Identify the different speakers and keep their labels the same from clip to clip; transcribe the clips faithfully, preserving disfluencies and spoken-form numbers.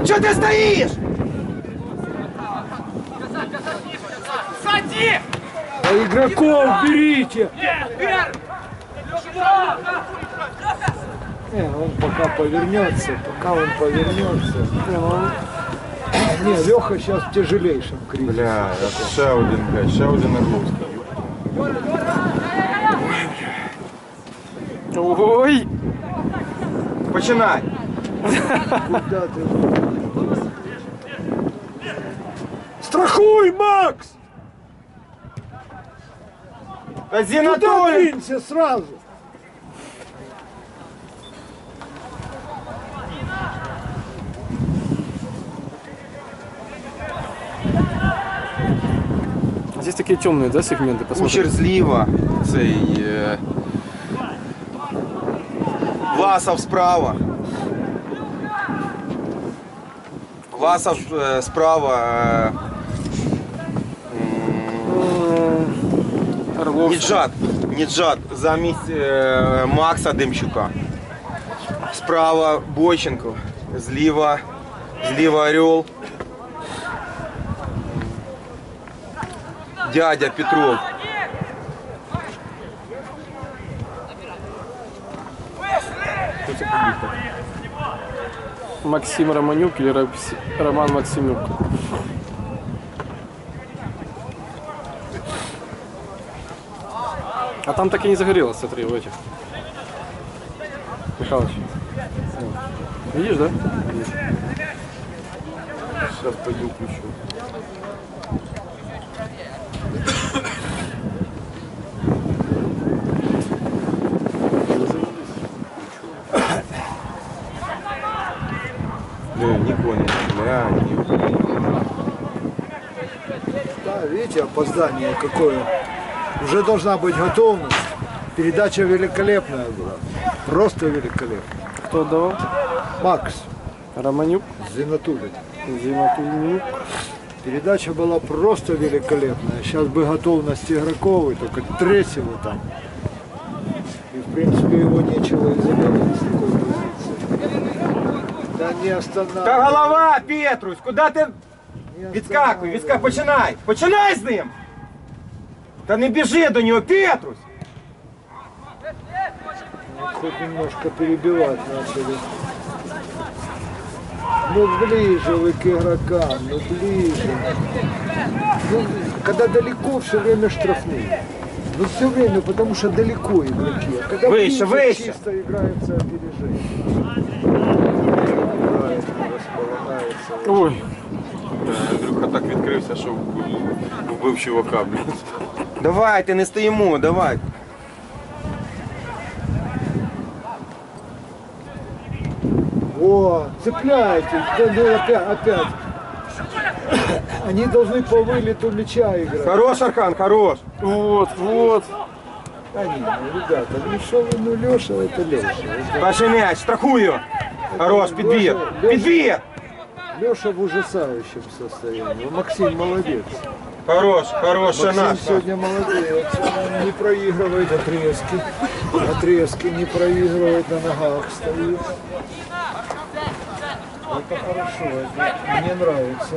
Speaker 1: Че ты стоишь?
Speaker 2: Сади!
Speaker 3: А игроков берите! Не, он пока повернется, пока он повернется. Не, ну он... не, Леха сейчас в тяжелейшем кризисе.
Speaker 1: Бля, это ще один, бля, ще один Орловский.
Speaker 4: Ой!
Speaker 1: Починай!
Speaker 3: Куда ты? Страхуй, Макс! Туда
Speaker 1: Зинатуль!
Speaker 3: двинься сразу!
Speaker 4: Здесь такие темные, да, сегменты?
Speaker 1: Кучер зліва, цей е... Власов справа. Власов е, справа. Е... м, Ніджат. Ніджат замість е... Макса Демчука. Справа Бойченко, зліва, зліва Орел. Дядя Петров.
Speaker 4: Максим Романюк или Ромс- Роман Максимюк? А там так и не загорелось, смотри, в этих. Михалыч. Видишь, да?
Speaker 1: Сейчас пойду включу. Бля, не понял. Бля, не понял.
Speaker 3: Да, видите, опоздание какое. Уже должна быть готовность. Передача великолепная была. Просто великолепная.
Speaker 4: Кто отдавал?
Speaker 3: Макс
Speaker 4: Романюк,
Speaker 3: Зинатулин.
Speaker 4: Зинатульнюк.
Speaker 3: Передача была просто великолепная. Сейчас бы готовность игроков, и только третьего там. И в принципе его нечего и заменить с такой позиции. Да не
Speaker 1: Та
Speaker 3: останавливай.
Speaker 1: голова, Петрусь, куди ти?
Speaker 3: Не
Speaker 1: Відскакуй, відскакуй,
Speaker 3: останавливай.
Speaker 1: починай! Починай з ним! Та не біжи до нього, Петрусь!
Speaker 3: Хоть немножко перебивать начали. Ну ближе вы к игрокам, ну ближе. Ну, когда далеко, все время штрафные. Ну все время, потому что далеко игроки. А когда
Speaker 1: Выше,
Speaker 3: ближе,
Speaker 1: выше.
Speaker 3: чисто играется опережение. Играется, располагается.
Speaker 4: Ой,
Speaker 1: Андрюха так відкрився, що вбив чувака, блін. Давайте, не стоїмо, давай.
Speaker 3: О, цепляйтесь, да, ну опять, опять. Они должны по вылету мяча играть.
Speaker 1: Хорош, Архан, хорош.
Speaker 4: вот, вот.
Speaker 3: А не, ну, ребята, ну что вы, ну Леша, это Леша.
Speaker 1: Перший м'яч, страхую. Хорош, підбір. Підбір.
Speaker 3: Леша в ужасающем состоянии. Максим молодец.
Speaker 1: Хорош, хорош, ще
Speaker 3: Максим
Speaker 1: наш.
Speaker 3: сегодня молодец. Он не проигрывает отрезки. Отрезки не проигрывает, на ногах стоит. Это хорошо, это мне нравится.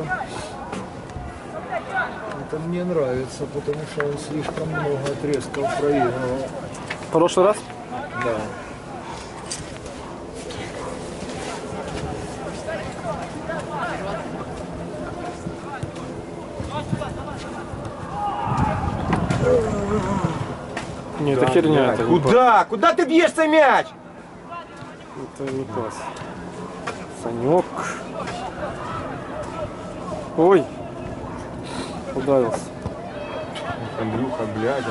Speaker 3: Это мне нравится, потому что он слишком много отрезков проигрывал.
Speaker 4: В прошлый раз?
Speaker 3: Да.
Speaker 4: Не, это херня. Это не,
Speaker 1: Куда? Куда ти б'єш цей м'яч?
Speaker 4: пас. Это не пас. Санек. Ой. Ударился.
Speaker 1: Андрюха, блядь.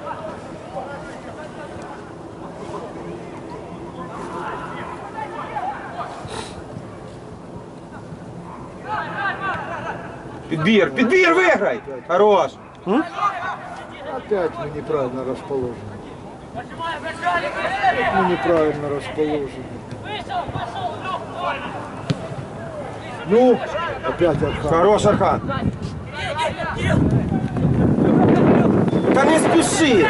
Speaker 1: Підбір, підбір, виграй! Хорош!
Speaker 3: Опять мы неправильно расположены. Мы неправильно расположены. Ну, опять Архан.
Speaker 1: Хорош, Архан! Та не спіши!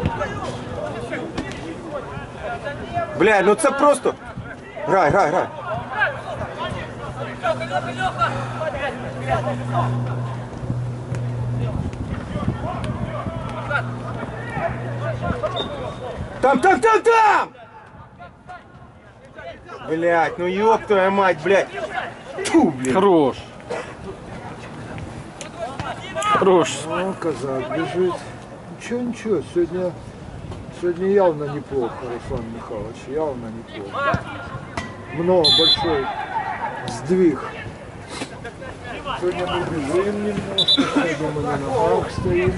Speaker 1: Бля, ну це просто... Грай, грай, грай! Там, там, там, там! Блять, ну ёб твою мать, блять. Тьфу, блин.
Speaker 4: Хорош. Хорош.
Speaker 3: Ну, казак бежит. Ничего, ничего, сегодня, сегодня явно неплохо, Руслан Михайлович, явно неплохо. Много, большой сдвиг. Сегодня мы бежим немножко, сегодня мы на ногах стоим.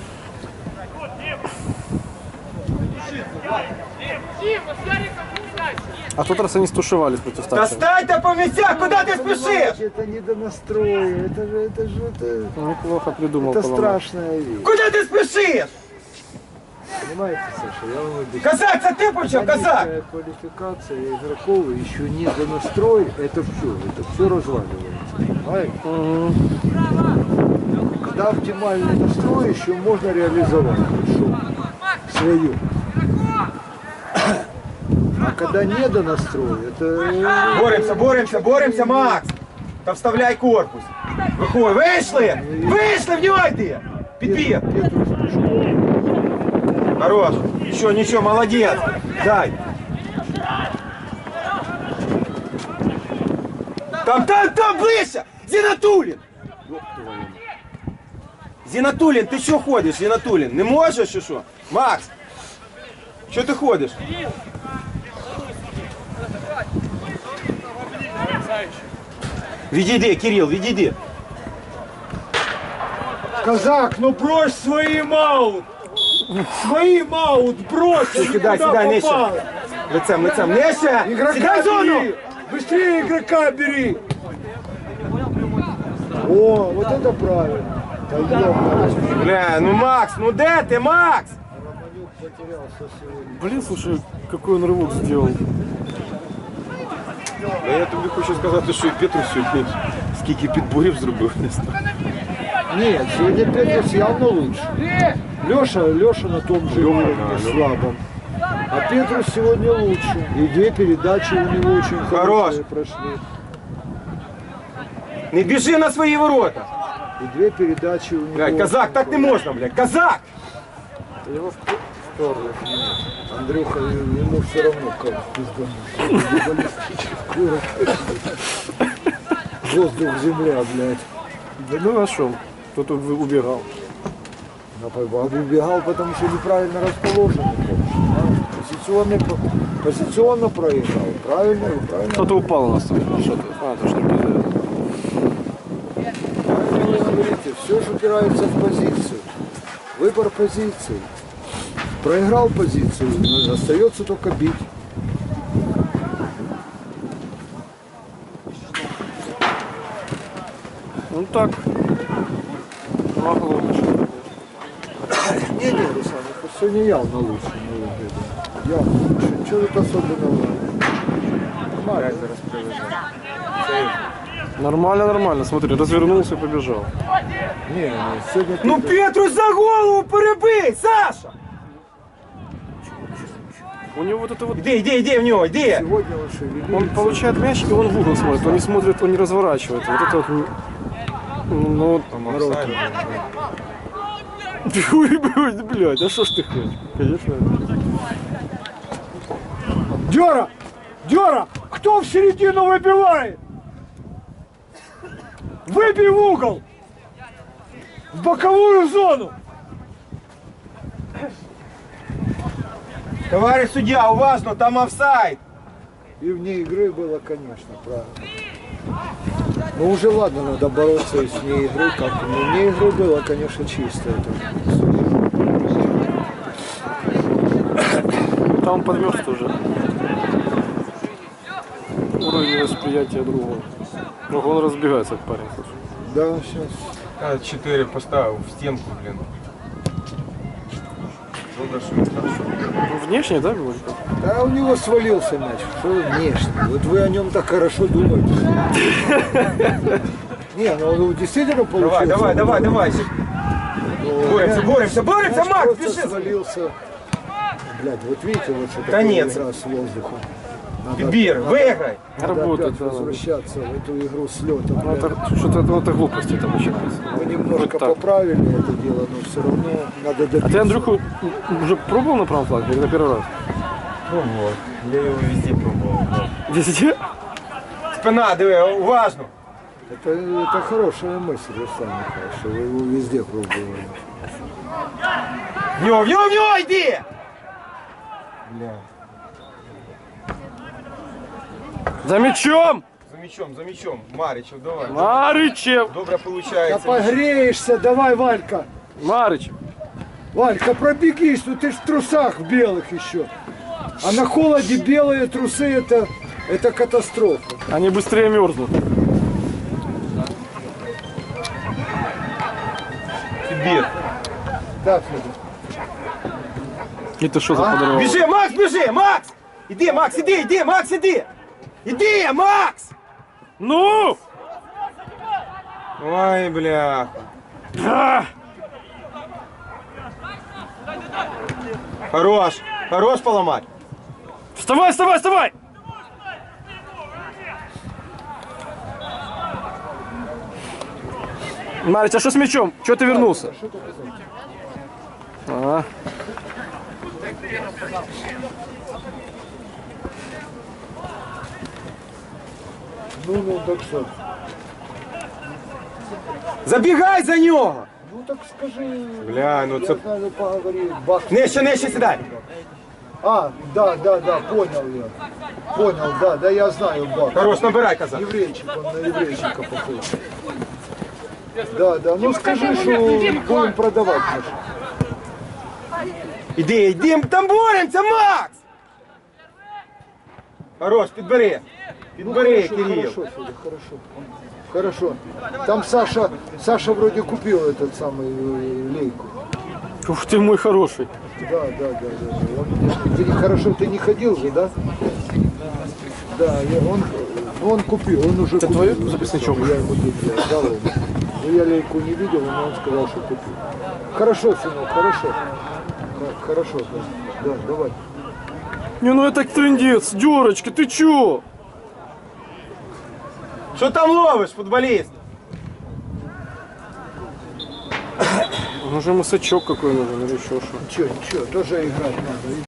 Speaker 4: А в тот раз они стушевались против
Speaker 1: Да
Speaker 4: Тача.
Speaker 1: стань-то по местах, куда ты спешишь?
Speaker 3: Это не до настроя, это же, это же, это,
Speaker 4: Неплохо придумал.
Speaker 3: это
Speaker 4: Коломой.
Speaker 3: страшная вещь.
Speaker 1: Куда ты спешишь?
Speaker 3: Понимаете, Саша, я вам объясню.
Speaker 1: Казак, це ти почав, казак!
Speaker 3: Техническая квалификация игроков еще не до настроя, это все, это все разваливается. Понимаете?
Speaker 4: Мгм.
Speaker 3: Когда оптимальный настрой еще можно реализовать хорошо свою. А когда не до настроя, это...
Speaker 1: Боремся, боремся, боремся, Макс! Та вставляй корпус. Виходь, вийшли! Вийшли, в нього йди! Підбір!
Speaker 3: Петрус Пушков.
Speaker 1: Хорош! Ничего, ничего, молодец! Дай! Там, там, там, ближче! Зінатулін! Зінатулін, ти що ходиш, Зінатулін? Не можеш чи що? Макс! Що ти ходиш? Відійди, Кирил, відійди.
Speaker 3: Казак, ну брось свои маут! Свои маут брось!
Speaker 1: Сідай, сідай, нижче. Лицем, лицем, нижче!
Speaker 3: Игрока
Speaker 1: Сідай в зону!
Speaker 3: бери! Быстрее игрока бери! О, вот это правильно! Да ёпта,
Speaker 1: Бля, ну Макс, ну де ти, Макс?
Speaker 3: Романюк потерялся сегодня.
Speaker 4: Блин, слушай, какой он рывок сделал.
Speaker 1: А я тобі хочу сказати, що і Петрус сьогодні скільки підборів зробив, не знаю.
Speaker 3: Нет, сегодня Петрус явно лучше. Леша, Леша на том же уровне слабом. А Петрус сегодня лучше. И две передачи у него очень
Speaker 1: Хорош.
Speaker 3: хорошие прошли.
Speaker 1: Не біжи на свої ворота.
Speaker 3: И две передачи у него.
Speaker 1: Блядь, казак, так не можна, блядь, казак!
Speaker 4: Его вперли.
Speaker 3: Андрюха, ему все равно как пиздануть. Баллистическую ракету. Воздух-земля, блядь.
Speaker 4: Да ну а что? Кто-то вы- убегал.
Speaker 3: А убегал, потому что неправильно расположен. Позиционно, позиционно проиграл. Правильно, правильно.
Speaker 4: Кто-то упал у нас там. Что ты? А, то что не
Speaker 3: Правильно вы говорите, все же упирается в позицию. Выбор позиции. Проиграл позицию, но остается только бить.
Speaker 4: Ну так. Могло лучше.
Speaker 3: Не, не, Руслан, это сегодня явно лучше. на мой взгляд. Явно лучше. Что тут особенного? Нормально.
Speaker 4: Нормально, нормально. Смотри, развернулся и побежал.
Speaker 3: Не, не, сегодня...
Speaker 1: Ну
Speaker 3: Петрус-
Speaker 1: Петрус за голову перебий, Саша!
Speaker 4: У него вот это вот...
Speaker 1: Іди, іди, іди в нього, іди!
Speaker 3: Сегодня он шевелится.
Speaker 4: Он получает мяч, и он в угол смотрит. Он не смотрит, он не разворачивает. Вот это вот... Ну, Ой, блядь, блядь, а что ж ты хочешь? Конечно.
Speaker 3: Дера! Дера! Кто в середину выбивает? Выбей в угол! В боковую зону!
Speaker 1: Товарищ суддя, уважно, там офсайд!
Speaker 3: И вне игры было, конечно, правильно. Ну уже ладно, надо бороться и с вне игры. Как ну, вне игры было, конечно, чисто. Это.
Speaker 4: Там подмерз уже. Уровень восприятия другого. Ну, он разбегается, как парень, слушай.
Speaker 3: Да, сейчас.
Speaker 1: Чотири поставив в стінку, блін. Добре, що не так, що.
Speaker 4: Ну, внешне, да, было?
Speaker 3: Да, у него свалился мяч. Что вы внешне? Вот вы о нем так хорошо думаете. Не, ну он действительно получился.
Speaker 1: Давай, давай, давай, давай.
Speaker 3: Ну,
Speaker 1: Боремся,
Speaker 3: мяч-
Speaker 1: боремся, боремся,
Speaker 3: мяч
Speaker 1: Макс,
Speaker 3: просто
Speaker 1: бежи!
Speaker 3: свалился. Блядь, вот видите, вот что
Speaker 1: Да
Speaker 3: такое
Speaker 1: нет.
Speaker 3: игра с воздухом. Надо
Speaker 1: Підбір, виграй.
Speaker 3: Надо
Speaker 4: Работать
Speaker 3: опять
Speaker 4: надо.
Speaker 3: возвращаться в эту игру с летом.
Speaker 4: Ну, это что-то ну, это глупости это начинается.
Speaker 3: Мы немножко
Speaker 4: Вот так.
Speaker 3: поправили это дело, но все равно надо
Speaker 4: А
Speaker 3: добиться.
Speaker 4: ты, Андрюху, уже пробовал на правом фланге или на первый раз?
Speaker 1: Пробував. Я його везде пробував.
Speaker 4: Везде?
Speaker 1: Спина, диви, уважно.
Speaker 3: Это, это хорошая мысль, Руслан Михайлович, что вы его везде пробовали.
Speaker 1: В нього, в нього, в нього, йди! Бля.
Speaker 4: За мячом!
Speaker 1: За мячом, за мячом. Маричев, давай.
Speaker 4: Марычев!
Speaker 1: Добре
Speaker 3: Да
Speaker 1: получается.
Speaker 3: погреешься, давай, Валька.
Speaker 4: Марычев!
Speaker 3: Валька, пробегись, ну ты ж в трусах белых еще. А на холоде белые трусы это, это катастрофа.
Speaker 4: Они быстрее мерзнут.
Speaker 1: Підбір.
Speaker 3: Так, Федор.
Speaker 4: Это что за подорвало?
Speaker 1: Біжи, Макс, біжи, Макс! Іди, Макс, іди, іди, Макс, іди! Іди, Макс!
Speaker 4: Ну!
Speaker 1: Ой, бляха.
Speaker 4: А!
Speaker 1: Хорош, хорош поломать.
Speaker 4: Вставай, вставай, вставай! Марич, а что с мячом? Чего ты вернулся? А,
Speaker 3: Ну, ну, так что?
Speaker 1: Забігай за нього!
Speaker 3: Ну так скажи.
Speaker 1: Бля, ну
Speaker 3: я
Speaker 1: це...
Speaker 3: знаю, поговори. Бах.
Speaker 1: Нижче, нижче сідай.
Speaker 3: А, да, да, да, понял я. Понял, да, да, я знаю, Бах.
Speaker 1: Хорош, набирай, казак.
Speaker 3: Еврейчик, он на еврейчика похож. Да, да, ну скажи, что будем продавать. Может.
Speaker 1: Іди, іди, там боремося, Макс! Хорош, підбери. Підбери,
Speaker 3: Хорошо,
Speaker 1: Кирил.
Speaker 3: хорошо, Федя, хорошо. Хорошо. Там Саша, Саша вроде купил этот самый э, лейку.
Speaker 4: ух ты мой хороший.
Speaker 3: Да, да, да, да. да. Он, ты не- хорошо, ты не ходил же, да? Да, я- он, он купил, он уже купил.
Speaker 4: твой записничок?
Speaker 3: Я ему тут дал его. Но я лейку не видел, но он сказал, что купил. Хорошо, сынок, хорошо. Х- Хорошо, да, да, давай.
Speaker 4: Не, ну это трындец, Дёрочка, ты чё?
Speaker 1: Що там ловиш, футболіст?
Speaker 4: Ну же мысачок какой нужен или еще что.
Speaker 3: Ничего, ничего, тоже играть надо.